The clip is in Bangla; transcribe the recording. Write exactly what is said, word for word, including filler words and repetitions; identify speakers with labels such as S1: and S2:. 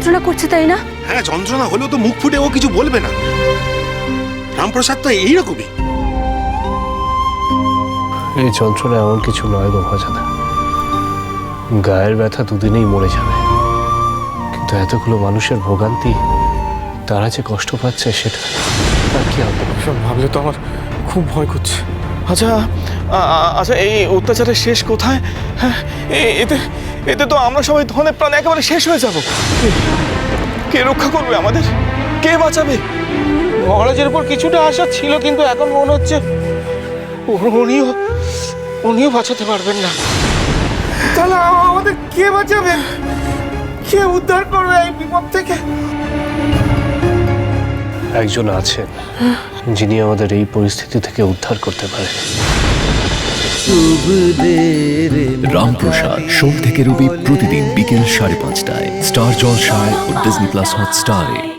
S1: যন্ত্রণা করছে, তাই না?
S2: হ্যাঁ, যন্ত্রণা হলেও তো মুখ ফুটে ও কিছু বলবে না। রামপ্রসাদ তো এইরকমই।
S3: এই যন্ত্রণা এমন কিছু নয় গো মজাদা, গায়ের ব্যথা দুদিনেই মরে যাবে, কিন্তু এতগুলো মানুষের ভোগান্তি, তারা যে কষ্ট পাচ্ছে সেটা তার কি হবে?
S4: সব ভাবলে তো আমার খুব ভয় করছে। আচ্ছা আ- আচ্ছা এই অত্যাচারের শেষ কোথায়? হ্যাঁ, এ- এতে এতে তো আমরা সবাই ধনে প্রাণ একেবারে শেষ হয়ে যাব। কে- কে রক্ষা করবে আমাদের? কে বাঁচাবে?
S5: মহারাজের উপর কিছুটা আশা ছিল, কিন্তু এখন মনে হচ্ছে উ- উনিও উনিও বাঁচাতে পারবেন না। তাহলে আমাদের কে বাঁচাবে? কে উদ্ধার করবে এই বিপদ থেকে?
S3: একজন আছেন যিনি আমাদের এই পরিস্থিতি থেকে উদ্ধার করতে পারেন।
S6: রামপ্রসাদ সোম থেকে রবি প্রতিদিন বিকেল সাড়ে পাঁচটায় স্টার জলসায় ও ডিজনি প্লাস হটস্টারে।